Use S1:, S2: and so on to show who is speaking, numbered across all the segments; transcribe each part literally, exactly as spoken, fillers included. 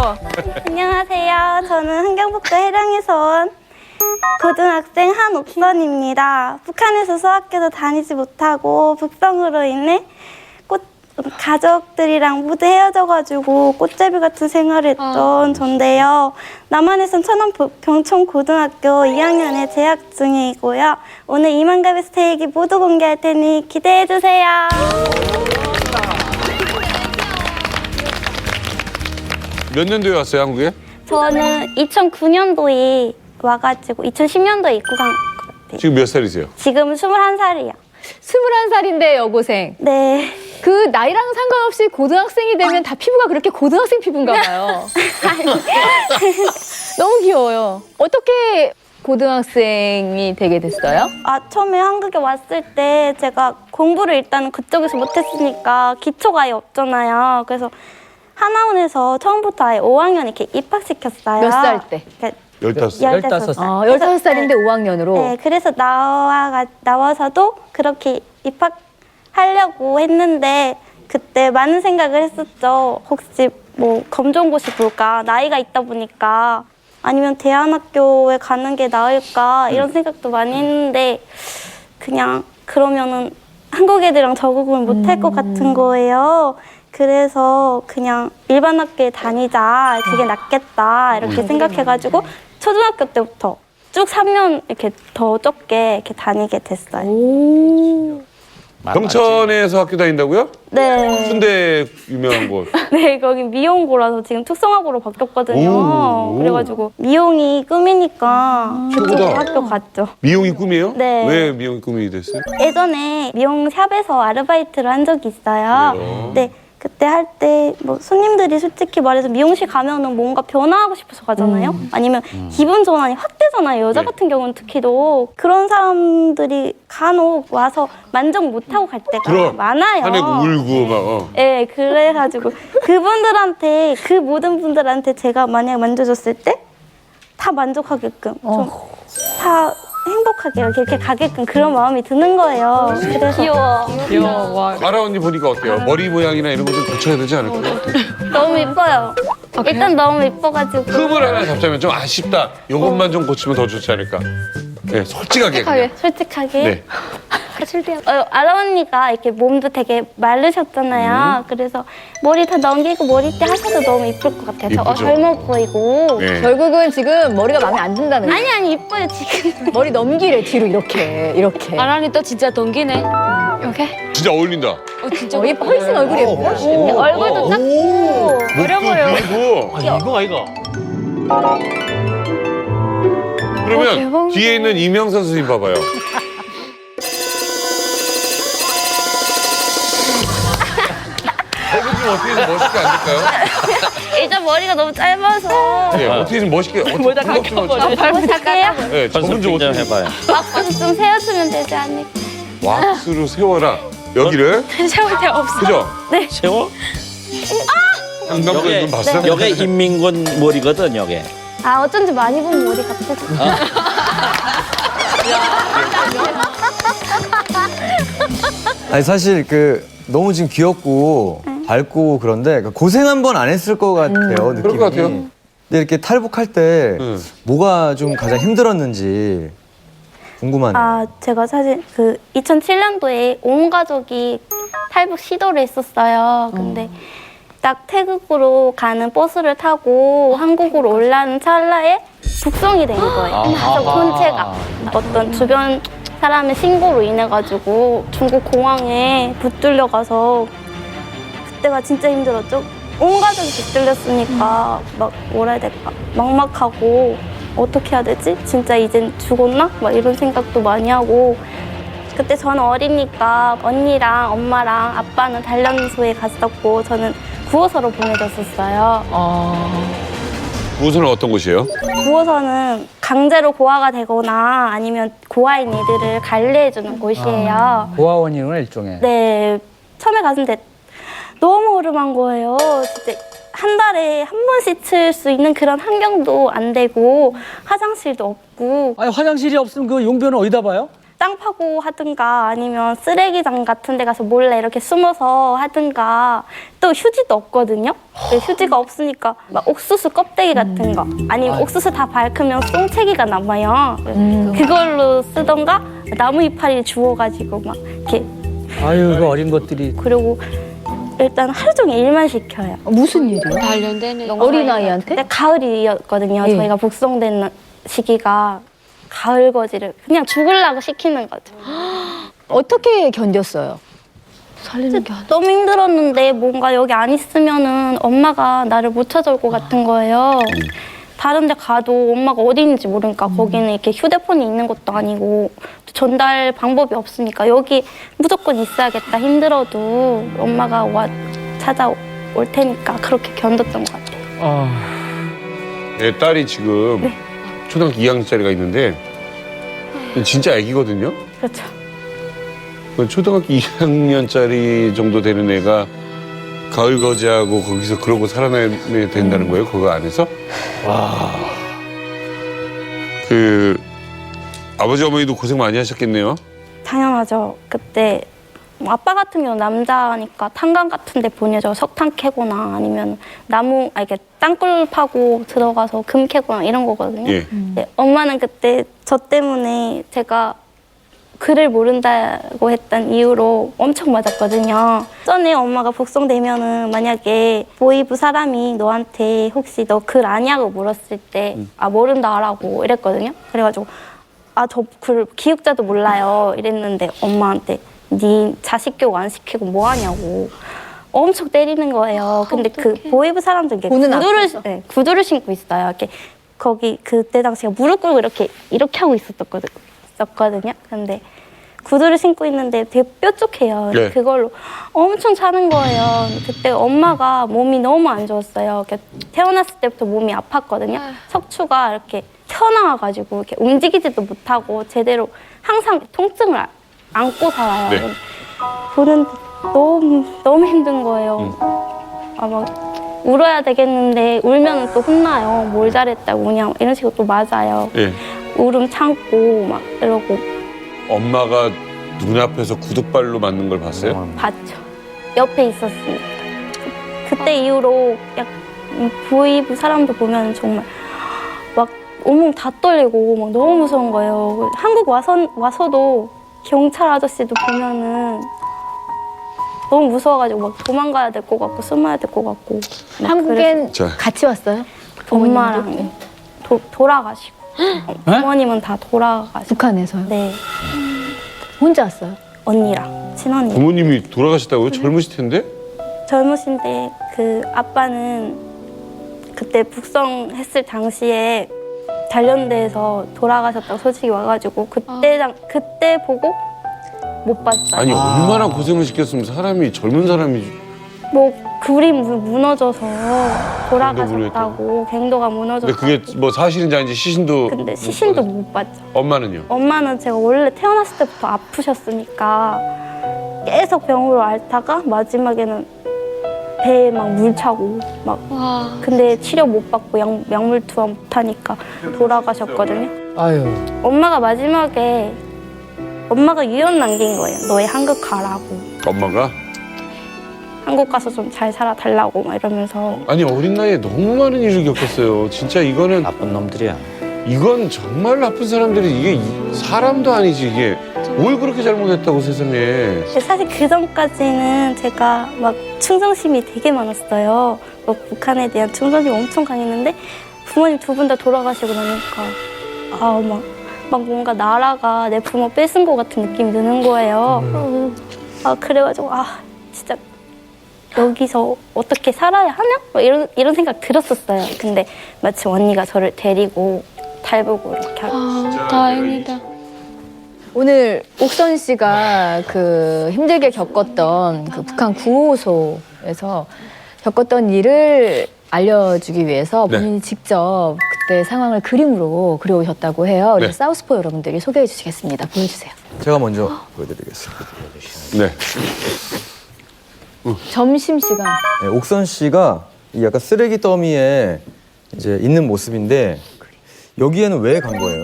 S1: 안녕하세요. 저는 흥경북도 해령에서 온 고등학생 한옥선입니다. 북한에서 수학교도 다니지 못하고 북성으로 인해 꽃, 가족들이랑 모두 헤어져가지고 꽃제비 같은 생활을 했던 전데요. 남한에선 천원 병총고등학교 이 학년에 재학 중이고요. 오늘 이만갑의 스테이크 모두 공개할 테니 기대해주세요.
S2: 몇 년도에 왔어요, 한국에?
S1: 저는 이천구 년도에 와가지고 이천십 년도에 입국한 것 같아요.
S2: 지금 몇 살이세요?
S1: 지금 스물한 살이요.
S3: 스물한 살인데 여고생.
S1: 네.
S3: 그 나이랑 상관없이 고등학생이 되면 다 피부가 그렇게 고등학생 피부인가 봐요. 너무 귀여워요. 어떻게 고등학생이 되게 됐어요?
S1: 아, 처음에 한국에 왔을 때 제가 공부를 일단 그쪽에서 못했으니까 기초가 아예 없잖아요. 그래서 하나원에서 처음부터 아예 오 학년 이렇게 입학시켰어요.
S3: 몇 살 때?
S1: 그러니까
S2: 열다섯 살.
S1: 열다섯 살.
S3: 아, 열다섯 살인데 오 학년으로?
S1: 네, 그래서 나와, 나와서도 그렇게 입학하려고 했는데 그때 많은 생각을 했었죠. 혹시 뭐 검정고시 볼까? 나이가 있다 보니까 아니면 대안학교에 가는 게 나을까? 이런 생각도 많이 했는데 그냥 그러면은 한국 애들이랑 적응을 못할 것 같은 거예요. 그래서 그냥 일반 학교에 다니자, 그게 낫겠다 이렇게 생각해가지고 초등학교 때부터 쭉 삼 년 이렇게 더 적게 이렇게 다니게 됐어요.
S3: 오.
S2: 경천에서 학교 다닌다고요?
S1: 네.
S2: 순대 유명한 곳.
S1: 네, 거기 미용고라서 지금 특성화고로 바뀌었거든요.
S2: 오.
S1: 그래가지고 미용이 꿈이니까 그쪽에
S2: 최고다.
S1: 학교 갔죠.
S2: 미용이 꿈이에요?
S1: 네.
S2: 왜 미용이 꿈이 됐어요?
S1: 예전에 미용샵에서 아르바이트를 한 적이 있어요.
S2: 그래요?
S1: 네. 그때 할 때 뭐 손님들이 솔직히 말해서 미용실 가면은 뭔가 변화하고 싶어서 가잖아요. 아니면 기분 전환이 확 되잖아요. 여자
S2: 네.
S1: 같은 경우는 특히도 그런 사람들이 간혹 와서 만족 못하고 갈 때가
S2: 그럼.
S1: 많아요.
S2: 화내고 울고 막. 어.
S1: 네, 그래가지고 그분들한테 그 모든 분들한테 제가 만약 만져줬을 때 다 만족하게끔 좀 다 행복하게 이렇게, 이렇게 가게끔 그런 마음이 드는 거예요. 그래서
S3: 귀여워. 귀여워.
S2: 가라 언니 보니까 어때요? 머리 모양이나 이런 거 좀 고쳐야 되지 않을까요?
S1: 너무 이뻐요. 일단 너무 이뻐가지고.
S2: 흠을 하나 잡자면 좀 아쉽다. 이것만 좀 고치면 더 좋지 않을까? 네, 솔직하게. 그냥.
S1: 솔직하게.
S2: 네.
S1: 어, 아라 언니가 이렇게 몸도 되게 마르셨잖아요. 그래서 머리 다 넘기고 머리띠 하셔도 너무 이쁠 것 같아요. 저, 어,
S2: 이쁘죠?
S1: 젊어 보이고.
S2: 네.
S3: 결국은 지금 머리가 마음에 안 든다는 거예요.
S1: 아니 아니 이뻐요 지금.
S3: 머리 넘기래, 뒤로 이렇게, 이렇게.
S4: 아란이 또 진짜 동기네.
S3: 이렇게?
S2: 진짜 어울린다.
S4: 어, 진짜.
S3: 어, 예뻐. 훨씬 얼굴이 예뻐.
S1: 얼굴도 작고 어려 보여.
S2: 그리고
S5: 아니 이거 아이가.
S2: 그러면 뒤에 있는 이명선 선생님 봐봐요. 얼굴 좀 어떻게 좀 멋있게 안 될까요?
S1: 일단 머리가 너무 짧아서.
S2: 네, 어떻게 좀 멋있게. 모자 가까워.
S1: 부탁해요.
S2: 네, 저분 좀 어떻게
S5: 해봐요.
S1: 왁스 좀 세워주면 되지 않을까.
S2: 왁스로 세워라. 여기를.
S4: 세울 데 없어.
S2: 그죠?
S5: 세워?
S2: 한강도
S5: 요게
S2: 눈 봤어?
S5: 요게 인민군 머리거든 요게.
S1: 아 어쩐지 많이 본 머리 같아서.
S6: 아니 사실 그 너무 지금 귀엽고 밝고 그런데 고생 한 번 안 했을 것 같아요 느낌이.
S2: 그럴 것 같아요.
S6: 근데 이렇게 탈북할 때
S2: 음.
S6: 뭐가 좀 가장 힘들었는지 궁금하네요.
S1: 아 제가 사실 그 이천칠 년도에 온 가족이 탈북 시도를 했었어요. 근데 딱 태국으로 가는 버스를 타고 한국으로 올라는 찰나에 북송이 된 거예요. 가족 본체가 어떤 주변 사람의 신고로 인해 가지고 중국 공항에 붙들려 가서 그때가 진짜 힘들었죠. 온 가족이 붙들렸으니까 막 뭐라 해야 될까 막막하고 어떻게 해야 되지? 진짜 이젠 죽었나? 막 이런 생각도 많이 하고 그때 저는 어리니까 언니랑 엄마랑 아빠는 단련소에 갔었고 저는 구호소로 보내졌었어요.
S2: 구호소는 어떤 곳이에요?
S1: 구호소는 강제로 고아가 되거나 아니면 고아인 이들을 관리해주는 곳이에요.
S7: 고아원이구나 일종의.
S1: 네, 처음에 갔는데 너무 허름한 거예요. 진짜 한 달에 한 번 씻을 수 있는 그런 환경도 안 되고 화장실도 없고
S7: 아니 화장실이 없으면 그 용변은 어디다 봐요?
S1: 땅 파고 하든가 아니면 쓰레기장 같은 데 가서 몰래 이렇게 숨어서 하든가 또 휴지도 없거든요. 네, 휴지가 없으니까 막 옥수수 껍데기 같은 거 아니면 옥수수 다 밝으면 똥채기가 남아요. 그걸로 쓰던가 나무 이파리 주워가지고 막 이렇게
S7: 아유, 그 어린 것들이.
S1: 그리고 일단 하루 종일 일만 시켜요.
S3: 무슨 일이요?
S4: 단련되네.
S3: 어린아이한테?
S1: 근데 가을이었거든요.
S3: 예.
S1: 저희가 복성된 시기가 가을 거지를 그냥 죽으려고 시키는 거죠.
S3: 어떻게 견뎠어요?
S4: 살리는 게 아니야.
S1: 너무 힘들었는데 뭔가 여기 안 있으면은 엄마가 나를 못 찾아올 것 같은 거예요. 다른 데 가도 엄마가 어디 있는지 모르니까 거기는 이렇게 휴대폰이 있는 것도 아니고 전달 방법이 없으니까 여기 무조건 있어야겠다 힘들어도 엄마가 와 찾아올 테니까 그렇게 견뎠던 것 같아요.
S7: 아,
S2: 내 딸이 지금
S1: 네.
S2: 초등학교 이 학년짜리가 있는데 진짜 애기거든요.
S1: 그렇죠.
S2: 그 초등학교 이 학년짜리 정도 되는 애가 가을 거지하고 거기서 그러고 살아내야 된다는 거예요. 그거 안에서. 와. 그 아버지 어머니도 고생 많이 하셨겠네요.
S1: 당연하죠. 그때 뭐 아빠 같은 경우는 남자니까 탄광 같은 데 보내줘 석탄 캐거나 아니면 나무, 아, 이게 땅굴 파고 들어가서 금 캐거나 이런 거거든요.
S2: 예.
S1: 네, 엄마는 그때 저 때문에 제가 글을 모른다고 했던 이유로 엄청 맞았거든요. 전에 엄마가 복성되면은 만약에 보이부 사람이 너한테 혹시 너 글 아냐고 물었을 때 아 모른다 하라고 이랬거든요. 그래가지고 아 저 글 기육자도 몰라요 이랬는데 엄마한테 네 자식 교육 안 시키고 뭐 하냐고 엄청 때리는 거예요. 근데 그 보이부 사람들 이게
S3: 보는
S1: 구두를
S3: 앞에서.
S1: 네, 구두를 신고 있어요. 이렇게 거기 그때 당시에 무릎 꿇고 이렇게 이렇게 하고 있었거든. 있었거든요. 근데 구두를 신고 있는데 되게 뾰족해요.
S2: 네.
S1: 그걸로 엄청 차는 거예요. 그때 엄마가 몸이 너무 안 좋았어요. 이렇게 태어났을 때부터 몸이 아팠거든요. 척추가 이렇게 튀어나와가지고 이렇게 움직이지도 못하고 제대로 항상 통증을 아- 안고 살아요.
S2: 네.
S1: 보는데 너무 너무 힘든 거예요. 아 막 울어야 되겠는데 울면 또 혼나요. 뭘 잘했다고 그냥 이런 식으로 또 맞아요.
S2: 예.
S1: 울음 참고 막 이러고
S2: 엄마가 눈앞에서 구두발로 맞는 걸 봤어요?
S1: 봤죠. 옆에 있었으니까. 그때 이후로 약 보이부 사람도 보면 정말 막 온몸 다 떨리고 막 너무 무서운 거예요. 한국 와서, 와서도 경찰 아저씨도 보면은 너무 무서워가지고 막 도망가야 될 것 같고 숨어야 될 것 같고. 막
S3: 한국엔
S2: 자.
S3: 같이 왔어요?
S1: 그래서 엄마랑 도, 돌아가시고 부모님은 다 돌아가시고
S3: 북한에서요?
S1: 네
S3: 혼자 왔어요?
S1: 언니랑 친언니
S2: 부모님이 돌아가셨다고요? 젊으실 텐데?
S1: 젊으신데 그 아빠는 그때 북성했을 당시에 단련대에서 돌아가셨다고 소식이 와가지고 그때 당 그때 보고 못 봤어요.
S2: 아니 얼마나 고생을 시켰으면 사람이 젊은 사람이
S1: 뭐 굴이 무- 무너져서 돌아가셨다고 갱도가 무너져서.
S2: 근데 그게 뭐 사실인지 아닌지 시신도
S1: 근데 시신도 못 봤죠.
S2: 엄마는요?
S1: 엄마는 제가 원래 태어났을 때부터 아프셨으니까 계속 병으로 앓다가 마지막에는 배에 막 물 차고 막
S4: 와.
S1: 근데 치료 못 받고 약, 약물 투하 못 하니까 돌아가셨거든요.
S7: 아유.
S1: 엄마가 마지막에 엄마가 유언 남긴 거예요. 너희 한국 가라고.
S2: 엄마가?
S1: 한국 가서 좀 잘 살아달라고 막 이러면서.
S2: 아니 어린 나이에 너무 많은 일을 겪었어요. 진짜 이거는
S5: 나쁜 놈들이야.
S2: 이건 정말 나쁜 사람들이 이게 이- 사람도 아니지 이게 뭘 그렇게 잘못했다고 세상에.
S1: 사실 그 전까지는 제가 막 충성심이 되게 많았어요. 뭐 북한에 대한 충성심이 엄청 강했는데 부모님 두 분 다 돌아가시고 나니까 아 막 막 뭔가 나라가 내 부모 뺏은 것 같은 느낌이 드는 거예요. 아 그래가지고 아 진짜 여기서 어떻게 살아야 하나? 막 이런 이런 생각 들었었어요. 근데 마침 언니가 저를 데리고 달보고 이렇게 하고.
S4: 아, 다행이다.
S3: 오늘 옥선 씨가 그 힘들게 겪었던 그 북한 구호소에서 겪었던 일을 알려주기 위해서
S2: 네.
S3: 본인이 직접 그때 상황을 그림으로 그려오셨다고 해요. 그래서
S2: 네.
S3: 사우스포 여러분들이 소개해 주시겠습니다. 보여주세요.
S6: 제가 먼저 보여드리겠습니다.
S2: 네.
S3: 점심시간.
S6: 네, 옥선 씨가 이 약간 쓰레기 더미에 이제 있는 모습인데 여기에는 왜 간 거예요?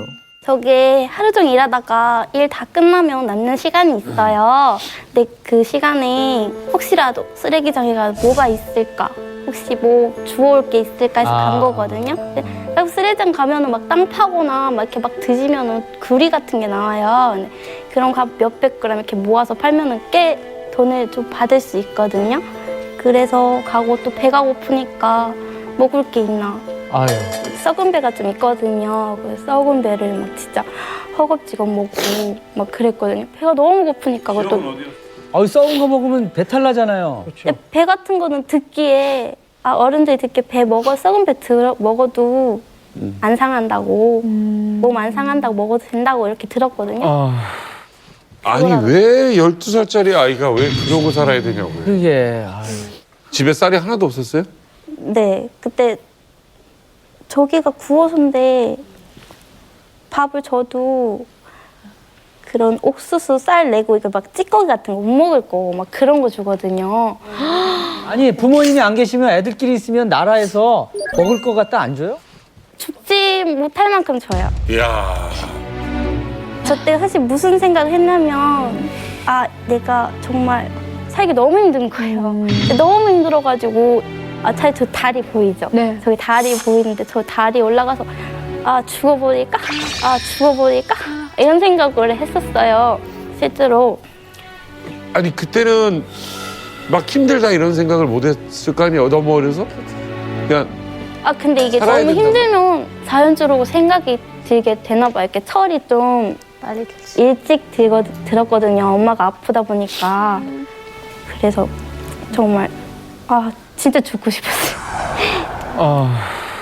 S1: 저게 하루 종일 일하다가 일 다 끝나면 남는 시간이 있어요. 근데 그 시간에 혹시라도 쓰레기장에 뭐가 있을까? 혹시 뭐 주워올 게 있을까 해서
S7: 아.
S1: 간 거거든요. 근데 딱 쓰레기장 가면은 막 땅 파거나 막 이렇게 막 드시면은 구리 같은 게 나와요. 근데 그런 거 몇백 그램 이렇게 모아서 팔면은 꽤 돈을 좀 받을 수 있거든요. 그래서 가고 또 배가 고프니까 먹을 게 있나.
S7: 아유.
S1: 썩은 배가 좀 있거든요. 그래서 썩은 배를 막 진짜 허겁지겁 먹고 막 그랬거든요. 배가 너무 고프니까 그것도
S7: 아유, 썩은 거 먹으면 배탈 나잖아요.
S1: 근데 배 같은 거는 듣기에 아 어른들이 듣기에 배 먹어 썩은 배 들어 먹어도 안 상한다고 몸 안 상한다고 먹어도 된다고 이렇게 들었거든요.
S7: 아,
S2: 아니 왜 열두 살짜리 아이가 왜 그러고 살아야 되냐고요.
S7: 그게. 아유.
S2: 집에 쌀이 하나도 없었어요?
S1: 네, 그때 저기가 구워서인데 밥을 줘도 그런 옥수수 쌀 내고 이거 막 찌꺼기 같은 거 못 먹을 거 막 그런 거 주거든요.
S7: 아니, 부모님이 안 계시면 애들끼리 있으면 나라에서 먹을 거 갖다 안 줘요?
S1: 죽지 못할 만큼 줘요.
S2: 이야.
S1: 저 때 사실 무슨 생각을 했냐면 아 내가 정말 살기 너무 힘든 거예요. 너무 힘들어가지고 아 차라리 저 다리 보이죠?
S3: 네.
S1: 저기 다리 보이는데 저 다리 올라가서 아 죽어버릴까? 아 죽어버릴까? 이런 생각을 했었어요. 실제로.
S2: 아니 그때는 막 힘들다 이런 생각을 못 했을 거 아니에요. 너무 어려서. 그냥
S1: 아 근데 이게
S2: 살아야
S1: 너무
S2: 된다고.
S1: 힘들면 자연적으로 생각이 들게 되나 봐요. 이렇게 철이 좀 일찍 들거, 들었거든요. 엄마가 아프다 보니까. 그래서 정말 아 진짜 죽고 싶었어요.
S7: 아.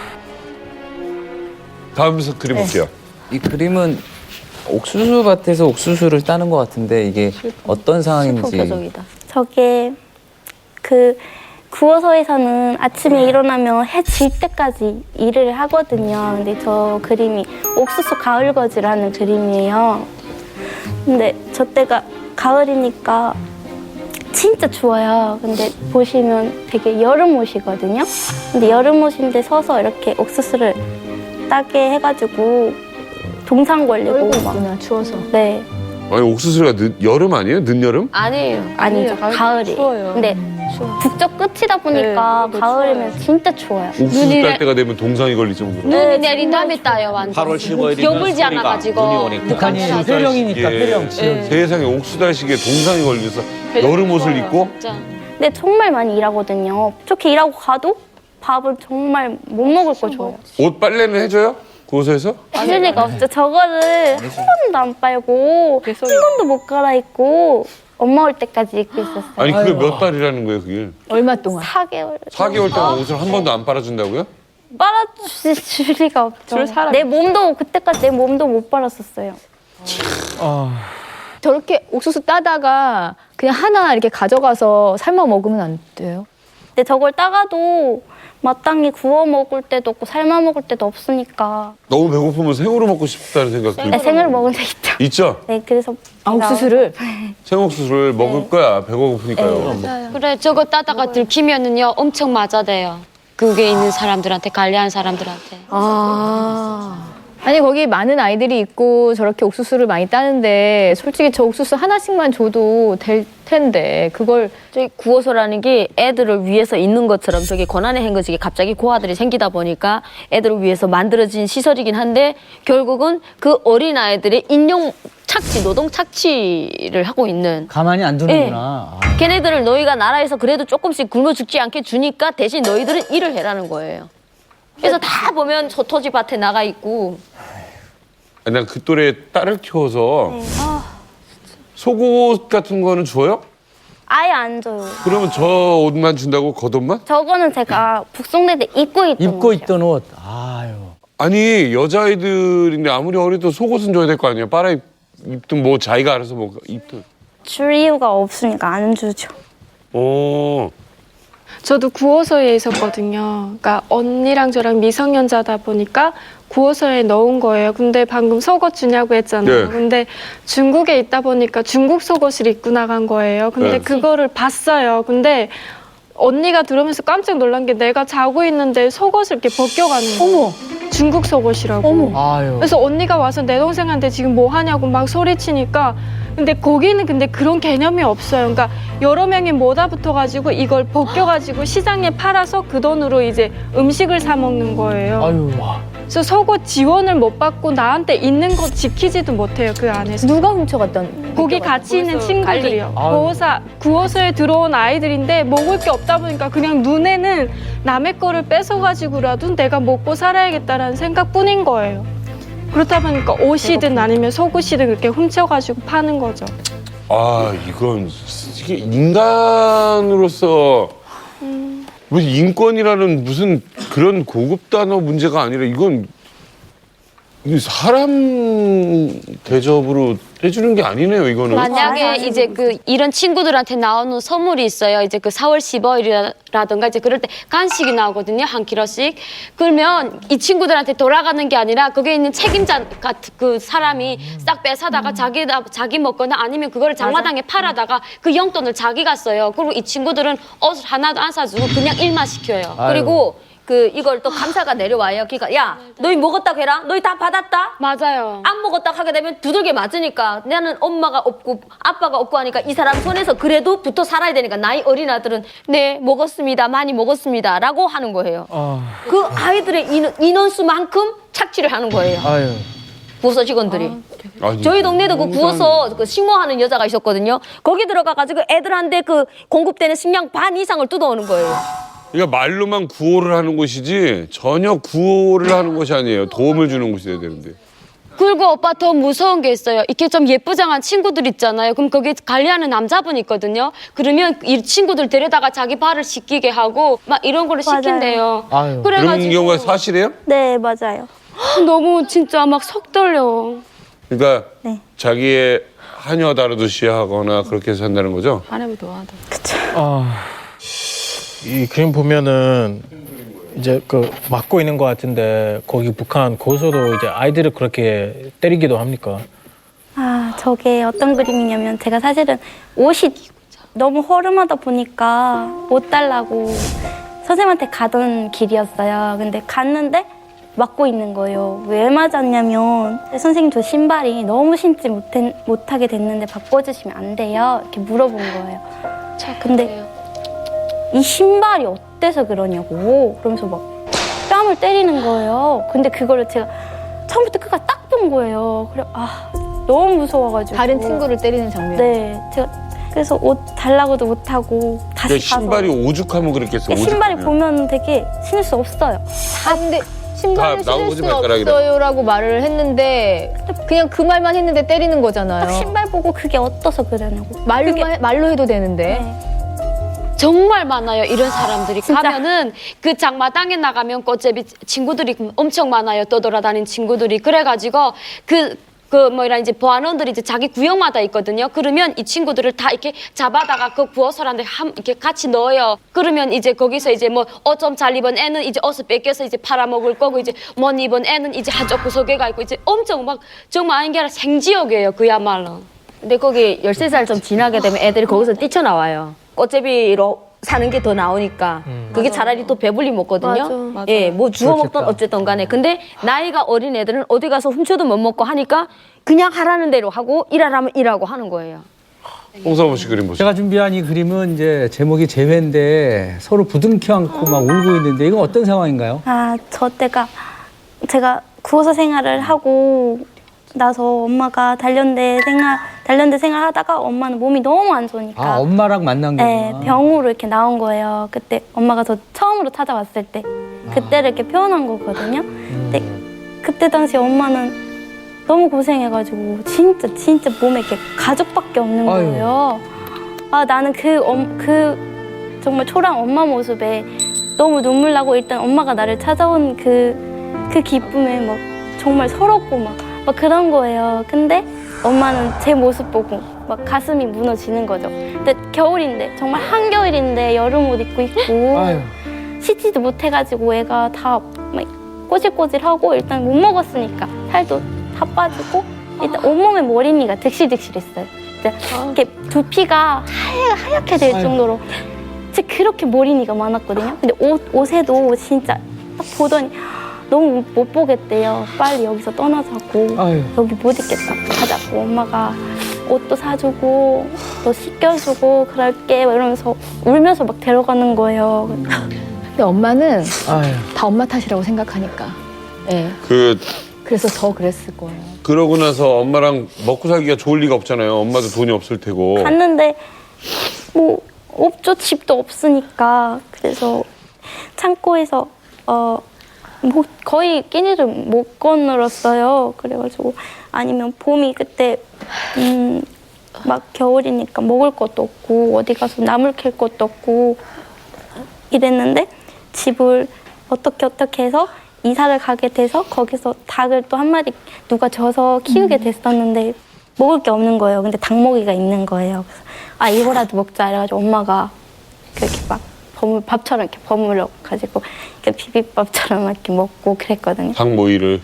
S2: 다음 그림 볼게요.
S6: 이 그림은 옥수수 밭에서 옥수수를 따는 것 같은데 이게 어떤 상황인지.
S1: 저게 그 구호소에서는 아침에 일어나면 해 질 때까지 일을 하거든요. 근데 저 그림이 옥수수 가을거지라는 그림이에요. 근데 저 때가 가을이니까 진짜 추워요. 근데 보시면 되게 여름 옷이거든요. 근데 여름 옷인데 서서 이렇게 옥수수를 따게 해가지고 동상 걸리고 막.
S3: 있구나, 추워서.
S1: 네.
S2: 아니 옥수수가 늦, 여름 아니에요? 늦여름?
S4: 아니에요.
S1: 아니죠. 가을이.
S3: 추워요.
S1: 근데 북쪽 끝이다 보니까
S3: 네,
S1: 가을이면 진짜 추워요.
S2: 옥수수 딸 때가 되면 동상이 걸릴 정도로.
S4: 눈이 내린 다음에 따요, 완전.
S5: 팔월 십오일이면
S4: 겨울지 않아가지고.
S5: 눈이 오니까.
S7: 북한이 회령이니까,
S2: 예.
S7: 회령, 지역.
S2: 세상에 옥수수 달식에 동상이 걸려서 여름 옷을 입고
S4: 진짜.
S1: 근데 정말 많이 일하거든요. 좋게 일하고 가도 밥은 정말 못 먹을 거 줘요.
S2: 옷 빨래는 해줘요? 고소해서?
S1: 해줄 리가 없죠. 저거를 한 번도 안 빨고 한 번도 못 갈아입고 엄마 올 때까지 입고 있었어요.
S2: 아니 그게
S7: 아이고.
S2: 몇 달이라는 거예요 그게?
S3: 얼마 동안?
S1: 사 개월.
S2: 사 개월 동안 옷을 한 번도 안 빨아준다고요?
S1: 빨아줄 리가 없죠.
S3: 줄 사람이
S1: 내 몸도 그때까지 내 몸도 못 빨았었어요.
S7: 아.
S3: 저렇게 옥수수 따다가 그냥 하나 이렇게 가져가서 삶아 먹으면 안 돼요?
S1: 근데 저걸 따가도 마땅히 구워 먹을 때도 없고 삶아 먹을 때도 없으니까
S2: 너무 배고프면 생으로 먹고 싶다는 생각
S1: 네,
S2: 들고
S1: 생을 먹은 적 있죠.
S2: 있죠?
S1: 네, 그래서
S3: 아, 옥수수를?
S2: 생옥수수를 먹을 거야 배고프니까요.
S4: 그래, 저거 따다가 들키면은요, 엄청 맞아대요. 그게 있는 사람들한테, 관리한 사람들한테.
S3: 아. 아니, 거기 많은 아이들이 있고 저렇게 옥수수를 많이 따는데 솔직히 저 옥수수 하나씩만 줘도 될 텐데 그걸
S8: 저기 구호소라는 게 애들을 위해서 있는 것처럼 저기 권한의 행거지게 갑자기 고아들이 생기다 보니까 애들을 위해서 만들어진 시설이긴 한데 결국은 그 어린 아이들의 인용 착취, 노동 착취를 하고 있는.
S7: 가만히 안 두는구나. 아.
S8: 걔네들을 너희가 나라에서 그래도 조금씩 굶어 죽지 않게 주니까 대신 너희들은 일을 해라는 거예요. 그래서 다 보면 저 토지 밭에 나가 있고.
S2: 난 그 또래 딸을 키워서
S1: 네.
S2: 속옷 같은 거는 줘요?
S1: 아예 안 줘요.
S2: 그러면 저 옷만 준다고 겉옷만?
S1: 저거는 제가 북송대 때 입고 있던
S7: 입고
S1: 옷이요.
S7: 있던 옷. 아유.
S2: 아니 여자아이들인데 아무리 어려도 속옷은 줘야 될 거 아니에요. 빨아 입- 입든 뭐 자기가 알아서 뭐 입든.
S1: 줄 이유가 없으니까 안 주죠.
S2: 어.
S9: 저도 구호소에 있었거든요. 그러니까 언니랑 저랑 미성년자다 보니까 구호소에 넣은 거예요. 근데 방금 속옷 주냐고 했잖아요.
S2: 네.
S9: 근데 중국에 있다 보니까 중국 속옷을 입고 나간 거예요. 근데
S2: 네.
S9: 그거를 봤어요. 근데 언니가 들으면서 깜짝 놀란 게 내가 자고 있는데 속옷을 이렇게 벗겨가는 거예요.
S3: 어머,
S9: 중국 속옷이라고.
S7: 아유.
S9: 그래서 언니가 와서 내 동생한테 지금 뭐 하냐고 막 소리치니까 근데 거기는 근데 그런 개념이 없어요. 그러니까 여러 명이 모다 붙어가지고 이걸 벗겨가지고 시장에 팔아서 그 돈으로 이제 음식을 사 먹는 거예요.
S7: 아유.
S9: 그래서 속옷 지원을 못 받고 나한테 있는 거 지키지도 못해요. 그 안에서.
S3: 누가 훔쳐갔던?
S9: 거기 같이 있는 친구들이요.
S7: 아유.
S9: 구호사, 구호소에 들어온 아이들인데 먹을 게 없다 보니까 그냥 눈에는 남의 거를 뺏어가지고라도 내가 먹고 살아야겠다라는 생각뿐인 거예요. 그렇다 보니까 옷이든 아니면 속옷이든 그렇게 훔쳐가지고 파는 거죠.
S2: 아, 이건 이게 인간으로서 무슨 인권이라는 무슨 그런 고급 단어 문제가 아니라 이건 이 사람 대접으로 해주는 게 아니네요, 이거는.
S4: 만약에 이제 그 이런 친구들한테 나오는 선물이 있어요. 이제 그 사월 십오일이라든가 이제 그럴 때 간식이 나오거든요. 한 킬로씩. 그러면 이 친구들한테 돌아가는 게 아니라 거기에 있는 책임자 같은 그 사람이 싹 빼사다가 자기 자기 먹거나 아니면 그거를 장마당에 팔아다가 그 용돈을 자기가 써요. 그리고 이 친구들은 옷을 하나도 안 사주고 그냥 일만 시켜요.
S7: 아유.
S8: 그리고 그 이걸 또 감사가 내려와요. 그러니까 야 너희 먹었다고 해라. 너희 다 받았다.
S4: 맞아요.
S8: 안 먹었다고 하게 되면 두들겨 맞으니까 나는 엄마가 없고 아빠가 없고 하니까 이 사람 손에서 그래도 붙어 살아야 되니까 나이 어린 아들은 네 먹었습니다. 많이 먹었습니다. 라고 하는 거예요.
S7: 아.
S8: 그 아이들의 인원, 인원수만큼 착취를 하는 거예요.
S7: 아유.
S8: 부서 직원들이.
S2: 아니,
S8: 저희 동네도 그
S2: 너무
S8: 구워서 그 식모하는 여자가 있었거든요. 거기 들어가가지고 애들한테 그 공급되는 식량 반 이상을 뜯어오는 거예요.
S2: 그러니까 말로만 구호를 하는 곳이지 전혀 구호를 하는 곳이 아니에요. 도움을 주는 곳이어야 되는데.
S4: 그리고 오빠 더 무서운 게 있어요. 이렇게 좀 예쁘장한 친구들 있잖아요. 그럼 거기 관리하는 남자분 있거든요. 그러면 이 친구들 데려다가 자기 발을 씻기게 하고 막 이런 거를
S1: 맞아요.
S4: 시킨대요.
S7: 아유.
S2: 그런 경우가 사실이에요?
S1: 네, 맞아요.
S4: 너무 진짜 막 속 떨려.
S2: 그러니까
S1: 네.
S2: 자기의 하녀 다루듯이 하거나 그렇게 해서 한다는 거죠?
S7: 아.
S10: 이 그림 보면은 이제 그 막고 있는 것 같은데 거기 북한 고소도 이제 아이들을 그렇게 때리기도 합니까?
S1: 아, 저게 어떤 그림이냐면 제가 사실은 옷이 너무 허름하다 보니까 옷 달라고 선생님한테 가던 길이었어요. 근데 갔는데 막고 있는 거예요. 왜 맞았냐면 선생님 저 신발이 너무 신지 못해, 못하게 됐는데 바꿔주시면 안 돼요? 이렇게 물어본 거예요. 근데 이 신발이 어때서 그러냐고 그러면서 막 뺨을 때리는 거예요. 근데 그거를 제가 처음부터 끝까지 딱 본 거예요. 그래 아 너무 무서워가지고
S3: 다른 친구를 때리는 장면.
S1: 네 제가 그래서 옷 달라고도 못하고 다시
S2: 그러니까 신발이
S1: 가서
S2: 오죽하면 그랬겠어.
S1: 신발이
S2: 오죽하면.
S1: 보면 되게 신을 수 없어요.
S3: 아 근데 신발을
S2: 다
S3: 신을
S2: 나오지
S3: 수
S2: 발가락이라.
S3: 없어요라고 말을 했는데 그냥 그 말만 했는데 때리는 거잖아요.
S1: 딱 신발 보고 그게 어떠서 그러냐고.
S3: 말로만
S1: 그게-
S3: 해- 말로 해도 되는데.
S1: 네.
S4: 정말 많아요. 이런 사람들이
S1: 진짜.
S4: 가면은 그 장마당에 나가면 꽃제비 친구들이 엄청 많아요. 떠돌아다니는 친구들이. 그래가지고 그 그 뭐라 이제 보안원들이 이제 자기 구역마다 있거든요. 그러면 이 친구들을 다 이렇게 잡아다가 그 구호소란데 한 이렇게 같이 넣어요. 그러면 이제 거기서 이제 뭐 옷 좀 잘 입은 애는 이제 옷을 뺏겨서 이제 팔아먹을 거고 이제 못 입은 애는 이제 한쪽 구석에 가 있고 이제 엄청 막 정말 아닌 게 아니라 생지옥이에요. 그야말로.
S8: 근데 거기 열세 살 좀 지나게 되면 애들이 거기서 뛰쳐나와요. 꽃제비로 사는 게 더 나오니까 그게 차라리 또 배불리 먹거든요.
S9: 맞아. 맞아요.
S8: 예, 뭐 주워 먹던
S7: 그렇겠다.
S8: 어쨌든 간에. 근데 나이가 어린 애들은 어디 가서 훔쳐도 못 먹고 하니까 그냥 하라는 대로 하고 일하라면 일하고 하는 거예요.
S2: 홍사범 씨 그림 보세요.
S7: 제가 준비한 이 그림은 이제 제목이 재회인데 서로 부둥켜 안고 막 울고 있는데 이건 어떤 상황인가요?
S1: 아, 저 때가 제가 구호소 생활을 하고 나서 엄마가 단련대 생활 단련대 생활하다가 엄마는 몸이 너무 안 좋으니까
S7: 아, 엄마랑 만난
S1: 네,
S7: 거구나.
S1: 병으로 이렇게 나온 거예요. 그때 엄마가 저 처음으로 찾아왔을 때 그때를 이렇게 표현한 거거든요. 근데 그때 당시 엄마는 너무 고생해가지고 진짜 진짜 몸에 이렇게 가죽밖에 없는
S7: 아유.
S1: 거예요. 아 나는 그, 엄, 그 정말 초라한 엄마 모습에 너무 눈물 나고 일단 엄마가 나를 찾아온 그, 그 기쁨에 막 정말 서럽고 막, 막 그런 거예요. 근데 엄마는 제 모습 보고 막 가슴이 무너지는 거죠. 근데 겨울인데 정말 한겨울인데 여름 옷 입고 있고
S7: 아유.
S1: 씻지도 못해가지고 애가 다 막 꼬질꼬질하고 일단 못 먹었으니까 살도 다 빠지고 일단 온몸에 머리니가 득실득실했어요. 이제 이렇게 두피가 하얗, 하얗게 될
S7: 아유.
S1: 정도로 진짜 그렇게 머리니가 많았거든요. 근데 옷, 옷에도 진짜 딱 보더니 너무 못 보겠대요. 빨리 여기서 떠나자고.
S7: 아유.
S1: 여기 못 있겠다. 가자고. 엄마가 옷도 사주고 또 씻겨주고 그럴게 막 이러면서 울면서 막 데려가는 거예요.
S3: 근데 엄마는
S7: 아유.
S3: 다 엄마 탓이라고 생각하니까. 예.
S2: 그
S3: 그래서 더 그랬을 거예요.
S2: 그러고 나서 엄마랑 먹고 살기가 좋을 리가 없잖아요. 엄마도 돈이 없을 테고.
S1: 갔는데 뭐 없죠. 집도 없으니까. 그래서 창고에서 어 뭐 거의 끼니를 못 거늘었어요. 그래가지고 아니면 봄이 그때 음 막 겨울이니까 먹을 것도 없고 어디 가서 나물 캘 것도 없고 이랬는데 집을 어떻게 어떻게 해서 이사를 가게 돼서 거기서 닭을 또 한 마리 누가 줘서 키우게 됐었는데 먹을 게 없는 거예요. 근데 닭고기가 있는 거예요. 그래서 아 이거라도 먹자 이래가지고 엄마가 그렇게 막 버물 밥처럼 이렇게 버무려 가지고 이렇게 비빔밥처럼 이렇게 먹고 그랬거든요.
S2: 닭모이를.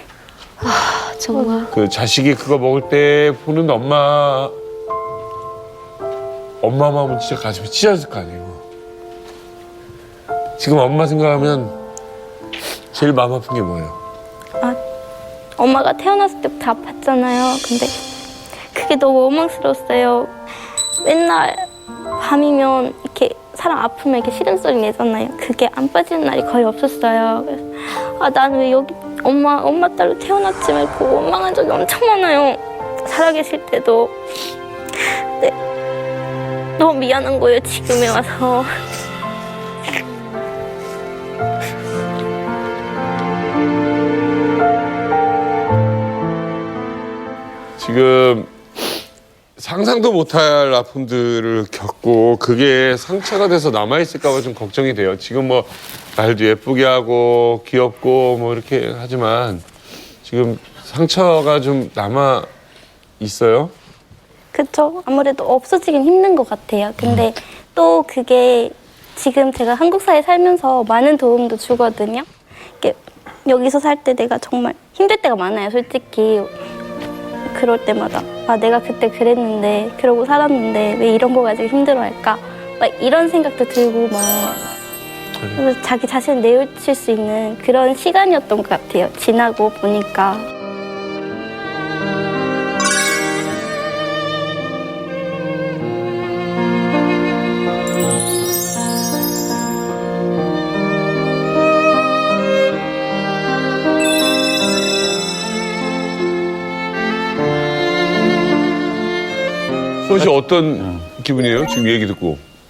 S8: 정말.
S2: 그 자식이 그거 먹을 때 보는 엄마 엄마 마음은 진짜 가슴이 찢어질 거 아니에요. 지금 엄마 생각하면 제일 마음 아픈 게 뭐예요?
S1: 아 엄마가 태어났을 때부터 아팠잖아요. 근데 그게 너무 원망스러웠어요. 맨날 밤이면 이렇게 사람 아프면 이렇게 시름소리 내잖아요. 그게 안 빠지는 날이 거의 없었어요. 그래서 아 나는 왜 여기 엄마 엄마 딸로 태어났지 말고 원망한 적이 엄청 많아요. 살아계실 때도. 근데 너무 미안한 거예요. 지금에 와서.
S2: 지금 상상도 못할 아픔들을 겪고 그게 상처가 돼서 남아있을까 봐 좀 걱정이 돼요. 지금 뭐 말도 예쁘게 하고 귀엽고 뭐 이렇게 하지만 지금 상처가 좀 남아 있어요.
S1: 그쵸. 아무래도 없어지긴 힘든 것 같아요. 근데 또 그게 지금 제가 한국 사회에 살면서 많은 도움도 주거든요. 이렇게 여기서 살 때 내가 정말 힘들 때가 많아요. 솔직히. 그럴 때마다 아 내가 그때 그랬는데 그러고 살았는데 왜 이런 거 가지고 힘들어할까? 막 이런 생각도 들고 막 그래서 자기 자신을 내우칠 수 있는 그런 시간이었던 것 같아요. 지나고 보니까.
S2: 수원 씨 어떤 기분이에요? 지금 얘기 듣고.